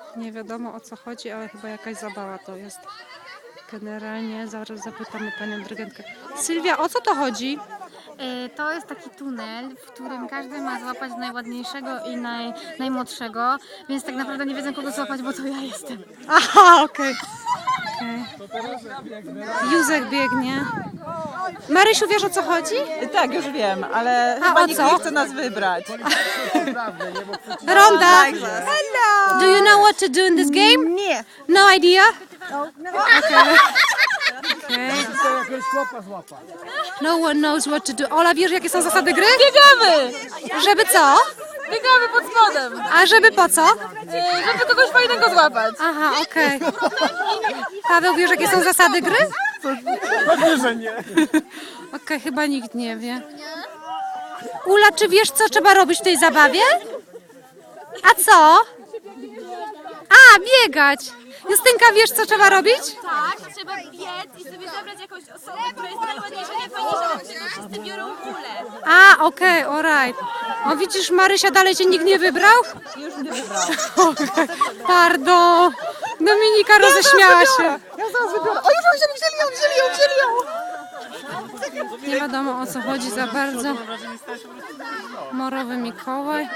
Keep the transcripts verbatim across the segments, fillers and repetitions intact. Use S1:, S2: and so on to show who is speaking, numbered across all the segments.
S1: Nie wiadomo o co chodzi, ale chyba jakaś zabawa to jest. Generalnie zaraz zapytamy panią dyrygentkę. Sylwia, o co to chodzi?
S2: To jest taki tunel, w którym każdy ma złapać najładniejszego i naj, najmłodszego, więc tak naprawdę nie wiedzą kogo złapać, bo to ja jestem.
S1: Aha, okej. Okay. Józek biegnie. Marysiu, wiesz o co chodzi?
S3: Tak, już wiem, ale
S1: A
S3: chyba
S1: o
S3: nikt
S1: co?
S3: nie chce nas wybrać.
S1: Ronda! Hello! Do you know what to do in this game?
S3: Nie.
S1: No idea? Okay. Okay. No one knows what to do. Ola, wiesz jakie są zasady gry?
S2: Biegamy!
S1: Żeby co?
S2: Biegamy pod spodem,
S1: A żeby po co?
S2: żeby kogoś fajnego złapać.
S1: Aha, okej. Paweł, wiesz jakie są zasady gry?
S4: Pewnie, że nie.
S1: Okej, chyba nikt nie wie. Ula, czy wiesz co trzeba robić w tej zabawie? A co? A, biegać. Justynka, wiesz co trzeba robić?
S5: Tak, trzeba biec i sobie zabrać jakąś osobę, która jest najładniejsza, najfajniejsza, bo wtedy wszyscy biorą kulę.
S1: A, okej, alright. O, widzisz, Marysia, dalej cię nikt nie wybrał?
S3: Już nie wybrał.
S1: Okay. Pardon. Dominika roześmiała się.
S3: Ja zaraz wybiorę. O, już ją wzięli, wzięli ją, wzięli ją, wzięli ją.
S1: Nie wiadomo o co chodzi za bardzo. Morowy Mikołaj.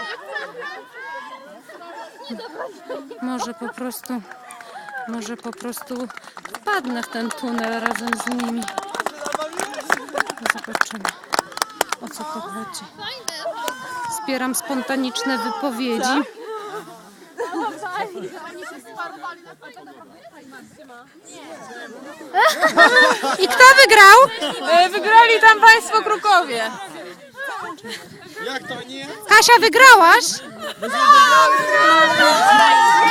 S1: Może po prostu, może po prostu wpadnę w ten tunel razem z nimi. Zobaczymy, o co tu chodzi. Zbieram spontaniczne wypowiedzi. I kto wygrał?
S2: Wygrali tam państwo Krukowie.
S4: Jak to nie?
S1: Kasia, wygrałaś?